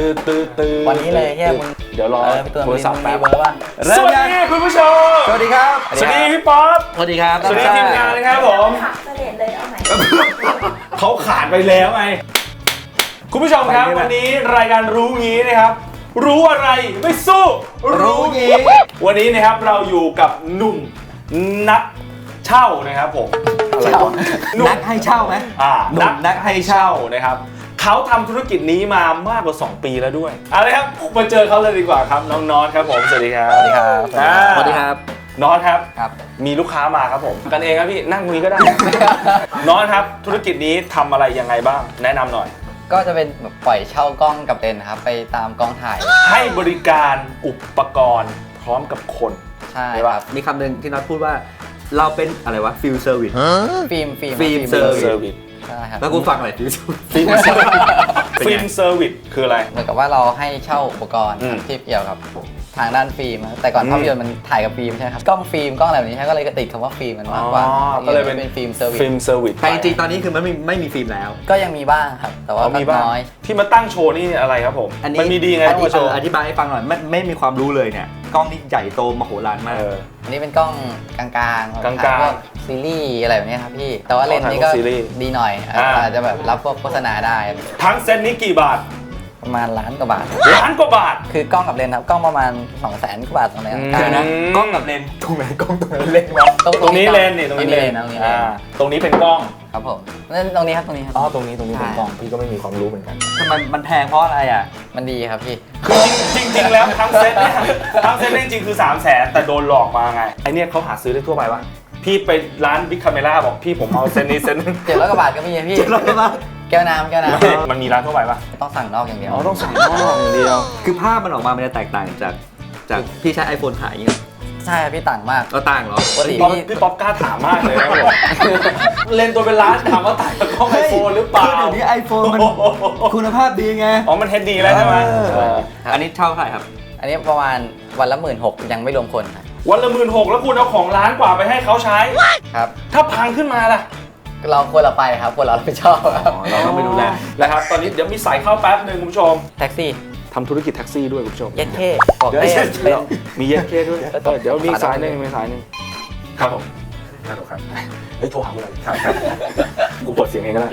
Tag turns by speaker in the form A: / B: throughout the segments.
A: วันนี้เลยแค่มึง
B: เดี๋ยวรอโทรศัพท์แป๊บ
A: เบอร์ว่า
B: สวัสดีคุณผู้ชม
A: สวัสดีครับ
B: สวัสดีพี่ป๊อป
A: สวัสดีครับ
B: สวัสดีทีมงานนะครับผม
C: ขาดเสลดเลยเอาใหม่
B: เขาขาดไปแล้วไงคุณผู้ชมครับวันนี้รายการรู้งี้นะครับรู้อะไรไม่สู้รู้งี้วันนี้นะครับเราอยู่กับหนุ่มนักเช่านะครับผม
A: นักให้เช่าไหม
B: นักให้เช่านะครับเขาทำธุรกิจนี้มามากกว่า2 ปีแล้วด้วยเอาเลยครับมาเจอเขาเลยดีกว่าครับน้องน็อตครับผมสวัสดีครับ
A: สวัสดีครับ
B: สวัสดีครับน็อตครับ
A: ครับ
B: มีลูกค้ามาครับผมกันเองครับพี่นั่งคุยก็ได้ น็อตครับธุรกิจนี้ทำอะไรยังไงบ้างแนะนำหน่อย
A: ก็จะเป็นแบบปล่อยเช่ากล้องกับเลนส์ครับไปตามกองถ่าย
B: ให้บริการอุปกรณ์พร้อมกับคน
A: ใช่
B: ใช่
A: ค
B: ปะ
A: รับ
D: มีคำหนึ่งที่น็อตพูดว่าเราเป็นอะไรวะฟิลเซอร์วิส
A: ฟิล์ม
D: เซอร์วิส
B: เซอร์วิส
A: ใช่ครับ
D: แล้วกูฟังหน่อยฟิล
B: ฟิล์มเซอร์วิสฟิล์มเซอร์วิสคืออะไร
A: เหมือนกับว่าเราให้เช่าอุปกรณ์
B: อืม
A: ที่เกี่ยวกับทางด้านฟิล์มนะแต่ก่อนภาพยนตร์มันถ่ายกับฟิล์มใช่ไหมครับกล้องฟิล์มกล้องอะไรแบบนี้ใช่ก็เลยติดคำว่าฟิล์มมันมากกว่า
B: ก็เลยเป็น
A: ฟิล์มเซอร์วิส
B: ฟิล์มเซอร์วิส
D: แต่จริงๆตอนนี้คือมันไม่มีฟิล์มแล้ว
A: ก็ยังมีบ้างครับ แต่ว่า
B: มีบ้าง
A: น้อย
B: ที่มาตั้งโชว์นี่อะไรครับผม
D: อันนี้
B: มันมีดีไงต้องมาโชว์
D: อธิบายให้ฟังหน่อยไม่มีความรู้เลยเนี่ยกล้องนี่ใหญ่โตมโหฬารมาก
A: อันนี้เป็นกล้องกลางๆ
B: กลางๆ
A: ถ่ยพวซีรีส์อะไรแบบนี้ครับพี่แต่ว่าเลนส์นี้ก็
B: ถ่ายพวกซีรีส์
A: ดีหน่อยอาจจะแบบรับพวกโฆษณาได้
B: ทั้งเซตนี้กี่บาท
A: ประมาณล้านกว่าบาท
B: ล้านกว่าบาท
A: คือกล้องกับเลนส์ครับกล้องประมาณ 200,000 กว่าบาทตรงนี้
B: อืม
D: เดี๋ยวนะกล้องกับเลนส์ตรงไหนกล้องตรงไหนเลนส์วะ
B: ตรงนี้เลนนี่ตรงนี้เลน
A: ตรงนี้เลน
B: ตรงนี้เป็นกล้อง
A: ครับผมนั่นตรงนี้ครับตรงนี้ครับ
B: อ๋อตรงนี้เป็นกล้องพี่ก็ไม่มีความรู้เหมือนกัน
D: ทำไมมันแพงเพราะอะไรอ่ะ
A: มันดีครับพี่
B: คือจริงๆแล้วทั้งเซตเนี่ยทั้งเซตเนี่ยจริงๆคือ300,000แต่โดนหลอกมาไงไอเนี่ยเขาหาซื้อได้ทั่วไปปะพี่ไปร้านบิ๊กคาเมล่าบอกพี่ผมเอาเซตนี้เซตนึง
A: 700 กว่าบาทก็มีพี่ แก้วน้ำ
B: มันมีร้านทั่วไปปะ
A: ต้องสั่งนอกอย่างเดียว
B: อ๋อต้องสั่งนอกอย่างเดียว
D: คือภาพมันออกมามันจะแตกต่างจากพี่ใช้ iPhone ถ่ายอย่างเงี้ย
A: ใช่ครับพี่ต่างมาก
D: ก็ต่างเหรอ
A: ปกติ
B: พี่ป๊อปกล้าถามมากเลยนะผมเลนตัวเป็นล้านถามว่าถ่ายกับกล้องไอโฟนหรือเปล่า
D: คือเดี๋ยวนี้ iPhone มันคุณภาพดีไง
B: อ๋อมันเฮดดีแล้วใช่ไหม
D: อันนี้เช่าเท่าไหร่ครับ
A: อันนี้ประมาณวันละ 16,000ยังไม่รวมคนครับ
B: วันละ16,000แล้วคุณเอาของล้านกว่าไปให้เขาใช้
A: ครับ
B: ถ้าพังขึ้นมาล่ะ
A: เราควรเราไปครับควรเรารับผิดชอบครับ
D: เราต้องไปดูแล
B: นะครับตอนนี้เดี๋ยวมีสายเข้าแป๊บหนึ่งคุณผู้ชม
A: แท็กซี่
B: ทำธุรกิจแท็กซี่ด้วยคุณผู้ชม
A: เย็ดเท่บอก
B: เดี๋ยว
A: ได้
B: เดี๋ยว
A: เป็น
B: มีเย็ดเคด้วยเดี๋ยวมีสายหนึ่งครับผมครับเฮ้ยโทรหากูเลยครับกูเปิดเสียงเองก็ได้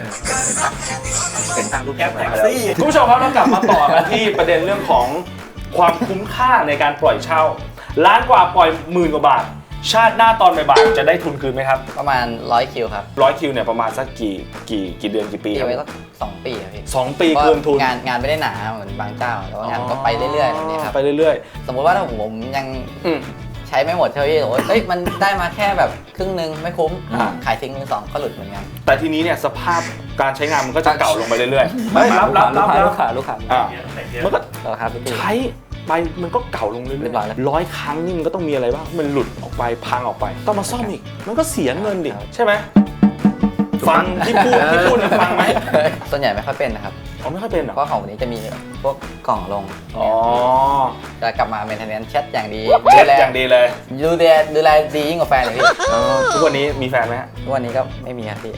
D: เป็นทางรูปแก้ว
B: แท็กซี่คุณผู้ชมครับเรากลับมาต่อกันที่ประเด็นเรื่องของความคุ้มค่าในการปล่อยเช่าล้านกว่าปล่อย10,000 กว่าบาท ชาติหน้าตอนบ่ายๆจะได้ทุนคืนไหมครับ
A: ประมาณ100 คิวครับ
B: 100 คิวเนี่ยประมาณสักกี่เดือนกี่ปี
A: ตี
B: ครับ
A: ไว้สัก2 ปีครับพี่
B: 2 ปีคืนทุน
A: งานไม่ได้หนาเหมือนบางเจ้าแต่ว่างานก็ไปเรื่อยๆแบบนี้ครับ
B: ไปเรื่อย
A: สมมุติว่าถ้าผมยัง
B: ๆ
A: ใช้ไม่หมดเท่าที่โอ้ยเอ้ยมันได้มาแค่แบบครึ่งนึงไม่คุ้ม
B: อ่า
A: ขายทิ้งมือสองก็หลุดเหมือนกัน
B: แต่ทีนี้เนี่ยสภาพการใช้งานมันก็จะเก่าลงไปเรื่อยๆ
D: ลูกค้า
B: อ่ะมันก็
A: ต่อครับพี่
B: ใช้ไปมันก็เก่าลงเรื่
A: เรี
B: อย
A: ยบร้อยแล้ว
B: ๆ100 ครั้งนี่มันก็ต้องมีอะไรบ้างมันหลุดออกไปพังออกไปต้องมาซ่อมอีกมันก็เสียเงินดิใช่ไหมฟังที่พูดเนี่ยฟังไหม
A: ส่วนใหญ่ไม่ค่อยเป็นนะครับ
B: เขาไม่ค่อยเป็นเหรอ
A: เพราะของวันนี้จะมีพวกกล่องลง
B: อ๋อ
A: จะกลับมาเมนเทนแนนซ์แชทอย่างดี
B: เช็ดอย่างดีเลย
A: ดูแลดียิ่งกว่าแฟนเลยพี่
B: ทุกวันนี้มีแฟนไหมฮะ
A: ทุกวันนี้ก็ไม่มีครับพี่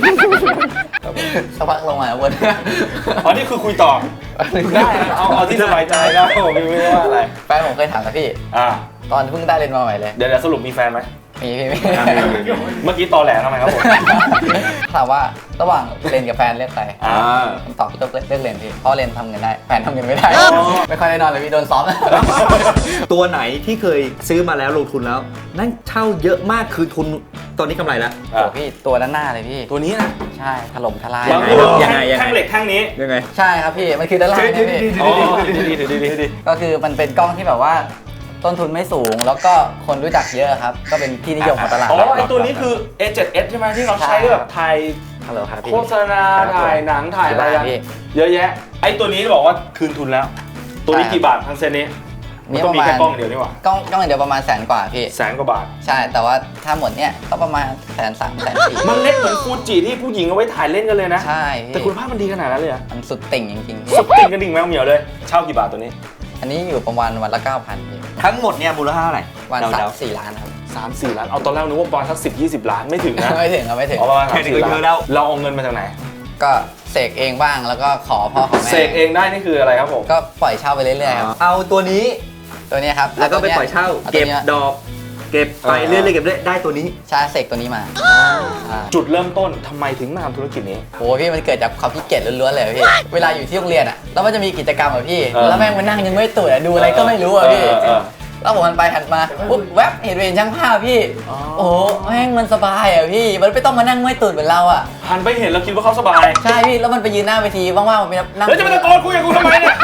A: สักพักลงมาวน
B: อ๋อนี่คือคุยต่อได้เอาที่สบายใจได้ผมไม่ได้ว่าอะไร
A: แฟนผมเคยถามกับพี่
B: อ่า
A: ตอนเพิ่งได้เรียนมาใหม่เลย
B: เดี๋ยวสรุปมีแฟนไหม
A: มีพี่
B: เมื่อกี้ตอแหลทำไมครับผม
A: ถามว่าระหว่างเรียนกับแฟนเลือกใคร
B: อ่า
A: คำตอบพี่ก็เลือกเรียนพี่เพราะเรียนทำเงินได้แฟนทำเงินไม่ได้ ไม่ค่อยได้นอนเลยพี่โดนซ้อม
D: ตัวไหนที่เคยซื้อมาแล้วลงทุนแล้ว นั่นเช่าเยอะมากคือทุนตอนนี้กำไรแล้ว
A: โอ้พี่ตัวด้านหน้าเลยพี่
B: ตัวนี้นะ
A: ใช่ถล่มทลาย
B: แล้ว
D: ยังไง
B: แท่งเหล็กแท่งนี้
D: ยังไง
A: ใช่ครับพี่มันคือด้านล่างเนี่ยพี่
B: อ๋อดี
A: ก็คือมันเป็นกล้องที่แบบว่าต้นทุนไม่สูงแล้วก็คนรู้จักเยอะครับก็เป็นที่นิยมของตลาด
B: อ๋อไอตัวนี้คือ A7S ใช่ไหมที่เราใช้แบบถ่าย
A: ฮัลโหลครับพี่
B: โฆษณาถ่ายหนังถ่ายอะไรอะ
A: พี่
B: เยอะแยะ ไอตัวนี้บอกว่าคืนทุนแล้ว ตัวนี้กี่บาททั้งเซตนี้มันต้องมีแค่กล้องเดียวนี่หว่าก
A: ล้องเดียวประมาณ100,000 กว่าพี่
B: 100,000 กว่าบาท
A: ใช่แต่ว่าถ้าหมดเนี่ยก็ประมาณ130,000 140,000
B: มันเล็กเหมือนฟูจิที่ผู้หญิงเอาไว้ถ่ายเล่นกันเลยนะ
A: ใช่
B: แต่
A: พี่
B: คุณภาพมันดีขนาดนั้นเลยอะ
A: มันสุดติ่งจริงๆพี่
B: สุดติ่งกระดิ่งแมวเหมียวเลย เช่ากี่บาทตัวนี้
A: อันนี้อยู่ประมาณวันละ 9,000พี่
D: ทั้งหมดเนี่ยมูลค่าเท่าไหร่
A: วัน
D: เดา
A: 3-4 ล้านครับ
B: 3-4 ล้าน เอาตอนแรกนึกว่าประมาณสัก10-20 ล้านไม่ถึงนะ
A: ไม่ถึงครับไม่ถึง
B: เอาประมาณ
D: แค่นี้ก็
B: 3-4
D: เยอะแล้ว
B: เราเอาเงินมาจากไหน
A: ก็เสกเองบ้างแล้วก็ขอพ่อขอแม่
B: เสกเองได้นี่คืออะไรครับผม
A: ก็ปล่อยเช่าไปเรื่อยๆครับ
D: เอาตัวนี้
A: ตัวเนี้ยครับ
D: แล้วก็ไปปล่อยเช่า
A: อาตัว
D: เก็บ
A: นี้ย
D: ดอก เก็บไปเรื่อยๆเก็บเรื่อยได้ตัวนี้
A: ใช่เสกตัวนี้มาอ่า
B: จุดเริ่มต้นทำไมถึงมาทำธุรกิจนี้
A: โหพี่มันเกิดจากความขี้เกียจล้วนๆเลยพี่ เวลาอยู่ที่โรงเรียนอ่ะแล้วมันจะมีกิจกรรมอ่ะพี่ แล้วแม่งมานั่งยังไม่ตื่นดูอะไรก็ไม่รู้อ่ะพี่ แล้วผมหันไปหันมาปุ๊บแวบเห็นช่างภาพพี่ โอ้โหแม่งมันสบายอ่ะพี่ มันไม่ต้องมานั่งไม่ตื่นเหมือนเราอ่ะ
B: หันไปเห็นแล้วคิดว่าเขาสบาย
A: ใช่พี่ แล้วมันไปยืนหน้าเวทีว่างๆมันไปนั่ง
B: แล้วจะมาตะโกนคุยกับกูทำไมเนี่ย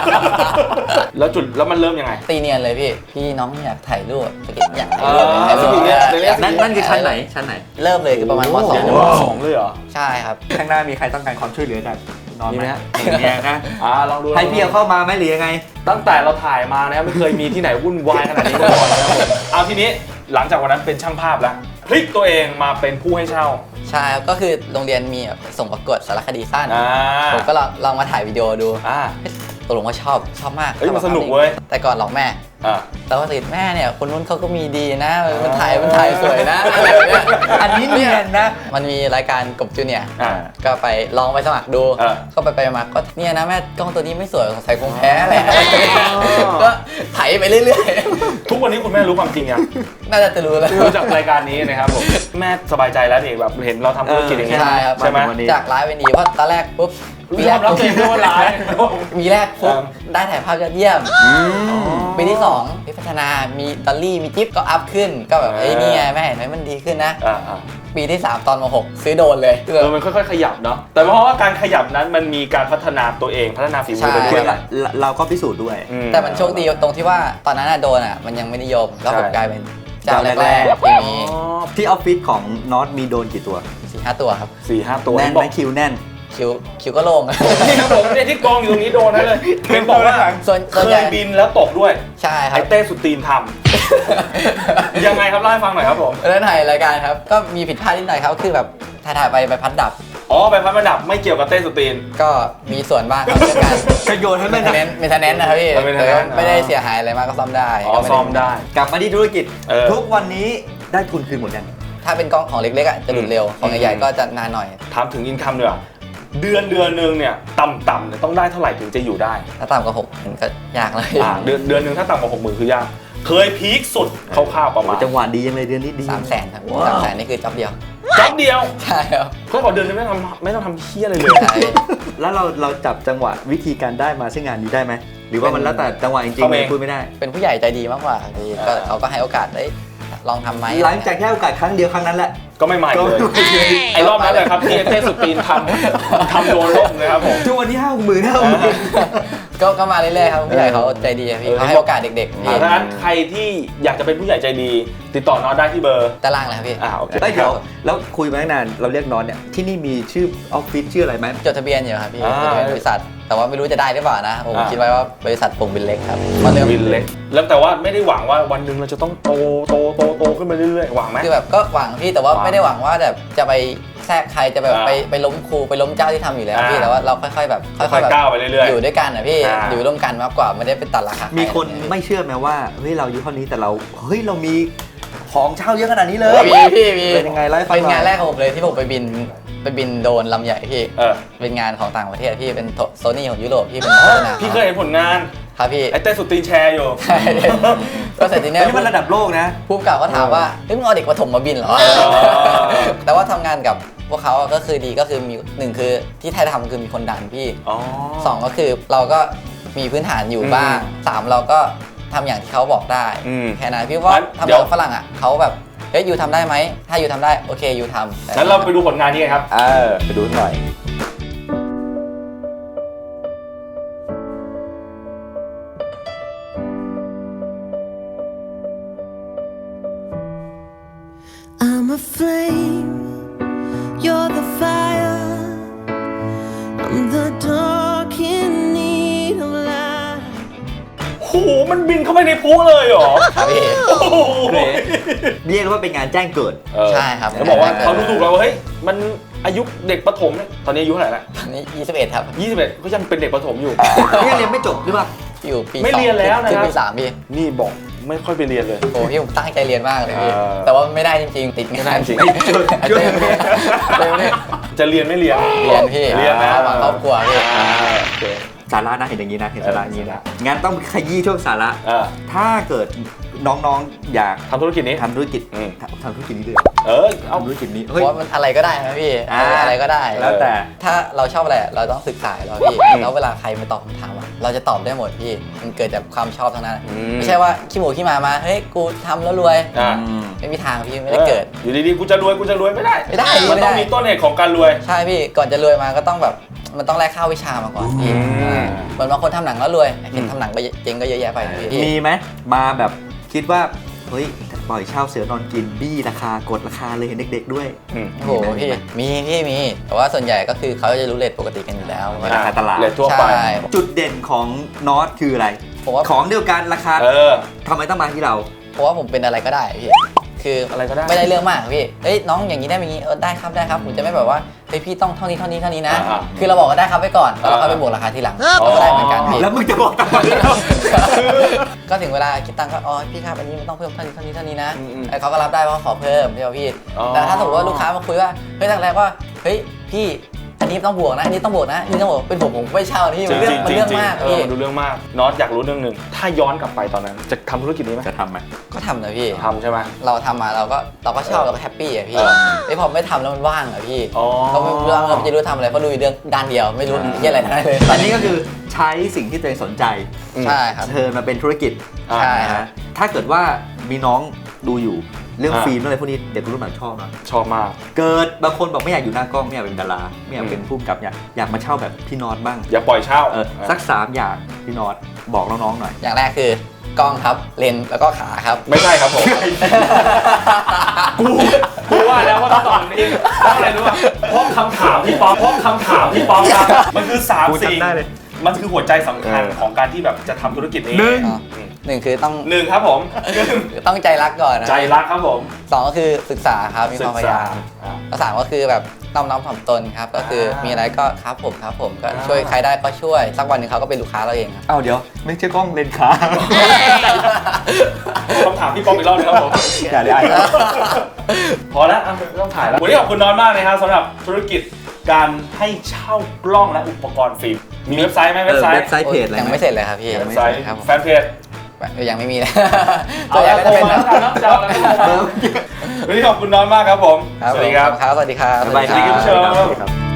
B: แล้วมันเริ่มยังไง
A: ตีเนียนเลยพี่ พี่น้องอยากถ่ายรูปสกิดอยากถ่ายรูป
B: อ๋อสกิดเนี่ยเรียก
D: นั่นคือชั้นไหนชั้นไหน
A: เริ่มเลยคือประมาณม
B: เดี๋ยวจะ
A: 2
B: มา2เลยเหรอ
A: ใช่ครับ
D: ข้างหน้ามีใครต้องการความช่วยเหลือจากนอน
B: มี
D: ไห
B: ไห
D: ม
B: ม
D: ฮะ
B: ฮะ
D: เนี่ยนะ
B: ลองดู
D: ให้พี่เอาเข้ามาไหมหรือยังไง
B: ตั้งแต่เราถ่ายมานะครับไม่เคยมีที่ไหนวุ่นวายขนาดนี้มาก่อนนะครับผมเอาทีนี้หลังจากวันนั้นเป็นช่างภาพแล้วพลิกตัวเองมาเป็นผู้ให้เช่า
A: ใช่ครับก็คือโรงเรียนมีแบบส่งประกวดสารคดีสั้น
B: อ่า
A: ผมก็ลองมาถ่ายวิดีโอดู
B: อ่า
A: ตกลงว่าชอบมาก
B: เฮ้ยมันสนุกเว้ย
A: แต่ก่อนหลอกแม่
B: อ่า
A: แล้วก็ติดแม่เนี่ยคนนู้นเขาก็มีดีนะมันถ่ายสวยนะอะไรแบบเนี้ย
D: อันนี้เนียนนะ
A: มันมีรายการกบจูเนียร์
B: อ่า
A: ก็ไปลองไปสมัครดู ก็ไปมาก็เนี่ยนะแม่กล้องตัวนี้ไม่สวยสงสัยคงแพ้แหละก็ไถไปเรื่อย
B: ทุกวันนี้คุณแม่รู้ความจริงยัง
A: ๆ น่าจะรู้แล้ว
B: รู้จากรายการนี้นะครับผมแม่สบายใจแล้วนี่แบบเห็นเราทำธุรกิจอย่างเงี้ย
A: ใช่ครับ
B: ใช่ไหม
D: วันนี้
A: จากร้ายเป็นดีเพราะตอนแรกปุ๊บ
B: มีแรกรับเองด้วยว่าร้าย
A: มีแรกปุ๊บ
B: ครับ
A: ได้ถ่ายภาพยอดเยี่ยม ปีที่2พี่พัฒนามีดอลลี่มีจิ๊บก็อัพขึ้นก็แบบเอ้ยนี่ไงแม่เห็นไหมมันดีขึ้นนะ ปีที่ 3 ตอนม6ซื้อโดรนเลย
B: มันค่อยๆขยับเนาะแต่เพราะว่าการขยับนั้นมันมีการพัฒนาตัวเองพัฒนาฝีมือไปด้
A: ใช่
B: วย
D: เราก็พิสูจน์ด้วย
A: แต่มันโชคดีตรงที่ว่าตอนนั้นโดรนมันยังไม่นิยมแล้วผม
B: ใช่
A: กลายเป็นเจ้า
D: เจ้า
A: แร
D: แร
A: ก
D: ก
A: ๆที่มี
D: ที่ออฟฟิศของน็อตมีโดรนกี่ตัว
A: 4-5 ตัวครับ
B: 4-5 ตัว
D: แน่น
B: บ
D: ไห
B: อ
D: ม
B: ก
D: คิวแน่น
A: คิวก็โล่ง
B: นี่ครับผมเนี่ยที่กองอยู่ตรงนี้โดนนั่นเลยเป็นบอกว่า
A: ส่วน
B: เค
A: ใหญ่
B: ยบินแล้วตกด้วย
A: ใช่ครั
B: ไอ้
A: บ
B: เต้สุดตีนทำยังไงครับเล่าให้ฟังหน่อยครับผม
A: แล้วถ่ายรายการครับก็มีผิดพลาดนิดหน่อยครับคือแบบถ่ายไปใบพัดดับ
B: อ๋อใบพัดประดับไม่เกี่ยวกับเต้สุดตีน
A: ก็มีส่วนบ้างครับเรื่องการ
D: กระโยนให้มัน
A: เมนเทนเนนนะครับพี่
B: maintenance
A: แต่ก็ไม่ได้เสียหายอะไรมากก็ซ่อมได้
B: อ๋อ
A: ก็ไม่
B: ซ่อมได้
D: กลับมาที่ธุรกิจ ทุกวันนี้ได้ทุนคืนหมดยัง
A: ถ้าเป็นกล้องของเล็กๆจะหลุดเร็วของใหญ่ๆก็จะนานหน่อย
B: ถามถึงอินคัมดีกว่าเดือนนึงเนี่ยต่ำๆเนี่ยต้องได้เท่าไหร่ถึงจะอยู่ได้
A: ถ้าต่ำกว่า6มันก็ยากเลย
B: เดือนนึงถ้าต่ำกว่า60,000คือยากเคยพีคสุดคร่าวๆประมาณ
D: จังหวะดียังเลยเดือนนี้ดี
A: 300,000ครับ
D: ว้าว
A: 300,000นี่คือจ็อบเดียว
B: จ็อบเดียว
A: ใช่ครับ
B: เขาบอกเดือนนึงไม่ต้องทำเฮี้ยอะไรเลย
A: ใช่
D: แล้วเราจับจังหวะวิธีการได้มาซึ่งงานนี้ได้ไหมหรือว่ามันแล้วแต่จังหวะจริงๆเลยพูดไม่ได้
A: เป็นผู้ใหญ่ใจดีมากกว่าพี่ก็เขาก็ให้โอกาสได้ลองทำไหม
D: หลังจากแค่โอกาสครั้งเดียวครั้งนั้นแหละ
B: ก็ไม่ใหม่เลยไอ้รอบนั้นเลยครับที่เต้สุดตีนทำโดนล่มเลยครับผม
D: ทุกวันนี้50,000
A: ก็มาเรื่อยๆครับผู้ใหญ่เขาใจดีอะพี่เขาให้โอกาสเด็กๆพี่
B: ดังนั้นใครที่อยากจะเป็นผู้ใหญ่ใจดี ติดต่อน็อตได้ที่เบอร์
A: ด้านล่างเลยครับพี่
B: โอเค
D: เฮ้ยเดี๋ยวแล้วคุยมาตั้งนานเราเรียกน็อตเนี่ยที่นี่มีชื่อออฟฟิศชื่ออะไรไหม
A: จดทะเบียนอยู่ครับพี่
B: อ่า
A: จดทะเบียนบริษัท แต่ว่าไม่รู้จะได้หรือเปล่านะผม
B: อ่า
A: คิดไว้ว่าบริษัทปุ่งบินเล็กครับมาเริ่ม
B: วินเล็กแล้วแต่ว่าไม่ได้หวังว่าวันหนึ่งเราจะต้องโตขึ้นมาเรื่อยๆหวังไหม
A: คือแบบก็หวังพี่แต่ว่า
B: หวัง
A: ไม่ได้หวังว่าแบบจะไปแทรกใครจะแบบ
B: อ่า
A: ไปล้มครูไปล้มเจ้าที่ทำอยู่แล้วพี่
B: อ่า
A: แต่ว่าเราค่อยๆแบบ
B: ค่อยๆก้าวไปเรื่อยๆ
A: อยู่ด้วยกันนะพี่
B: อ่า
A: อยู่ร่วมกันมากกว่าไม่ได้เป็นตัดราคา
D: มี
A: มี
D: คนไม่เชื่อไหมว่าเฮ้ยเราอายุเท่านี้แต่เราเฮ้ยเรามีของเช่าเยอะขนาดนี้เลย
A: พี่
D: เป็นยังไงเล่าให้ฟังหน่อย
A: เป็นงานแรกของผมเลยที่ผมไปบินโดรนลำใหญ่พี่
B: เออ
A: เป็นงานของต่างประเทศพี่เป็นโซนี่ของยุโรปพี่เป็นโฆษณา
B: พี่เคยเห็นผลงาน
A: ครับพี่
B: ไอ้เต้สุดตีนแชร์อยู่
A: ใช่ ก็เสร็จทีเนี้ย
D: นี่มันระดับโลกนะ
A: ผู้กำกับก็ถามว่าเฮ้ยมึงเอาเด็กประถมมาบินเหรอ แต่ว่าทำงานกับพวกเขาก็คือดีก็คือมีหนึ่งคือที่ไทยทำคือมีคนดันพี่
B: อ๋อ
A: สองก็คือเราก็มีพื้นฐานอยู่บ้างสามเราก็ทำอย่างที่เขาบอกได้ แค่นั้นพี่ว่าทำกับฝรั่งอ่ะเขาแบบเฮ้ยยูทำได้ไหมถ้ายูทำได้โอเคยูทำแต่
B: งั้นเราไปดูผลงานนี้กันครับ
D: ไปดูหน่อย
C: I'm a flame, you're the fire, I'm the dark in need of light.
B: โหมันบินเข้าไปในพุเลยเหรอ
A: ครับพี่
B: โอ้โห
D: เรียกว่าเป็นงานแจ้งเกิด
A: ใช่ครับ
B: เขาบอกว่าเขาดูถูกเราว่าเฮ้ยมันอายุเด็กประถมเนี่ยตอนนี้อายุเท่าไหร่ละ
A: ตอนนี้21ครับ
B: 21ก็ยังเป็นเด็กประถมอยู่
D: นี่ยังเรียนไม่จบหรือเปล่า
A: อยู่ปี
B: ไม่เรียนแล้วนะครับ
A: ขึ้ปี3พี่
B: นี่บอกไม่ค่อยไปเรียนเลย
A: โอ้พี่ผมตั้งใจเรียนมากเลยพี่
B: เออ
A: แต่ว่าไม่ได้จริงๆติดงาน
B: จริง
A: เต้เนี่ย
B: จะเรียนไม่เรียน
A: เรียนพี่
B: เรียนนะ
A: เอามาครอบครัวพี่
B: โอเค
D: สาระนะเห็นอย่างนี้นะเห็นสาระอย่างนี้นะงั้นต้องขยี้ช่วงสาระ
B: อ่า
D: ถ้าเกิดน้องๆอยาก
B: ทำธุรกิจนี้
D: ทำธุรกิจ
B: อืม
D: ทำธุรกิจนี้เลยเหรอ
B: เอา
D: ทำธุรกิจนี้
A: เพ
D: เฮ้ย
A: ราะว่ามันอะไรก็ได้นะพี่ อะไรก็ได้
D: แล้วแต่
A: ถ้าเราชอบอะไรเราต้องศึกษาเราพี่
B: อืม
A: แล้วเวลาใครมาตอบคำถามอะเราจะตอบได้หมดพี่มันเกิดจากความชอบทั้งนั้น
B: อืม
A: ไม่ใช่ว่าขี้หมูขี้หมามาเฮ้ยกูทำแล้วรวย
B: อ่า
A: ไม่มีทางพี่ไม่ได้เกิด
B: อยู่ดีๆกูจะรวยไม่ได้
A: ไม่ได้
B: มันต้องมีต้นเหตุของการรวย
A: ใช่พี่ก่อนจะรวยมาก็ต้องแบบมันต้องแลกข้าววิชามาก่อนพี่
B: อืม
A: เหมือนบางคนทำหนังแล้วรวยเห็นทำหนังก็เจ๊งก็เยอะแยะไปนะพี่
D: มีไหมมาแบบคิดว่าเฮ้ยปล่อยเช่าเสือนอนกินบี้ราคากดราคาเลยเห็นเด็กๆด้วย
B: อืม
A: โอ้โหพี่มีแต่ว่าส่วนใหญ่ก็คือเขาจะรู้เรทปกติกันอยู่แล้ว
D: ราคาตลาด
B: เรียนทั่วไป
A: ใช่
D: จุดเด่นของน็อตคืออะไร
A: ผมว่า
D: ของเดียวกันราคา ทำไมต้องมาที่เรา
A: เพราะว่าผมเป็นอะไรก็ได้พี่คือ
B: อะไรก็ได้
A: ไม่ได้เรื่องมากพี่เอ้ยน้องอย่างนี้ได้ไหมอย่างนี้ได้ครับผมจะไม่แบบว่าเฮ้ยพี่ต้องเท่านี้นะ
B: อ่า
A: คือเราบอกก็ได้ครับไปก่อนแล้วเราค่อยไปบวกราคาทีหลังเราก็ได้เหมือนกันพี่
D: แล้วมึงจะบอกทำไม
A: ก็ถึงเวลาคิดตังค์ก็อ๋อพี่ครับอันนี้มันต้องเพิ่มเท่านี้นะ
B: อืม
A: ไอ้เขาก็รับได้เพราะขอเพิ่มใช่ป่ะพี่
B: อ๋อ
A: แต่ถ้าสมมติว่าลูกค้ามาคุยว่าเฮ้ยตั้งแรกว่าเฮ้ยพี่อันนี้ต้องบวกนะอันนี้ต้องบวกนะอันนี้ต้องบวกเป็นผมไม่เช่านี่มันเรื่องมาก
B: พี่
A: พี่
B: มันดูเรื่องมากน็อตอยากรู้เรื่องหนึ่งถ้าย้อนกลับไปตอนนั้น จะทำธุรกิจนี้ไหม
D: จะทำไหม
A: ก็ทำนะพี่
B: ทำใช่ไหม
A: เราทำมาเราก็ชอบเราก็แฮปปี้อะพี่
B: เออ
A: ไอ้พอไม่ทำแล้วมันว่างอะพี่
B: อ๋อ
A: เราไม่รู้เราจะรู้ทำอะไรเพราะดูเรื่องด้านเดียวไม่รู้เรื่องอะไรทั้งนั้นเลย
D: อันนี้ก็คือใช้สิ่งที่ตัวเองสนใจ
A: ใช่ครับ
D: เทิร์นมาเป็นธุรกิจ
A: ใช่ครับ
D: ถ้าเกิดว่ามีน้องดูอยู่เรื่อง
B: อ่า
D: ฟิล์มอะไรพวกนี้เด็กรุ่นใหม่ชอบนะ
B: ชอบมาก
D: เกิดบางคนบอกไม่อยากอยู่หน้ากล้องไม่อยากเป็นดาราไม่อยากเป็นผู้กำกับอยากมาเช่าแบบพี่น็อตบ้าง
B: อย่าปล่อยเช่า
D: สัก3อย่างพี่น็อตบอกน้องๆหน่อย
A: อย่างแรกคือกล้องครับเลนส์แล้วก็ขาครับ
B: ไม่ใช่ครับผม กูว่าแล้วว่าต้องตอบนี้เพราะอะไรรู้ป่ะเพราะคำถามพี่ป๊อปครับมันคือ3
D: กู
B: สิ่ง
D: จำได้เลย
B: มันคือหัวใจสำคัญของการที่แบบจะทำธุรกิจนี้
D: หนึ่ง
A: อ๋อหนึ่งคือต้อง
B: หนึ่งครับผม
A: ต้องใจรักก่อนนะ
B: ใจรักครับผม
A: สองก็คือศึกษาครับมีความพยายาม
B: อ่า
A: แล้วสามก็คือแบบน้อมถ่อมตนครับก็คือมีอะไรก็ครับผมก็ช่วยใครได้ก็ช่วยสักวันหนึ่งเขาก็เป็นลูกค้าเราเองครับ
D: เอ้าเดี๋ยวไม่ใช่กล้องเลนส์ขา
B: คำถามพี่ป๊อปอีกรอบหนึงครับผม
D: อย่าได้
B: พอแล้วไม่ต้องถ่ายแล้ววันนี้ขอบคุณน้อนมากนะครับสำหรับธุรกิจการให้เช่ากล้องและอุปกรณ์ฟิล์มมีเว็บไซต์ไหมเว็บไซต์
D: เว็บไซต์เพจอะไร
A: ยัง
D: ไหม
A: ไม่เสร็จเลยครับพี่
B: เว็บไซต์
A: ครับผม
B: แฟนเพจ
A: ยังไม่มีเลย
B: เอา
A: ส่วนใหญ่
B: แล้ว
A: ก็
B: โท
A: จะ
B: ร
A: เป็น
B: มาแล้วกันเนาะจะเอาอะไรก็โทรมาวันนี้ขอบคุณน้อนมากครับผม
A: ครับ
B: สวัสดีครับ
A: สวัสดีครับ
D: บ๊ายบาย
B: สวัสดีคุณผู้ชม
D: ครับ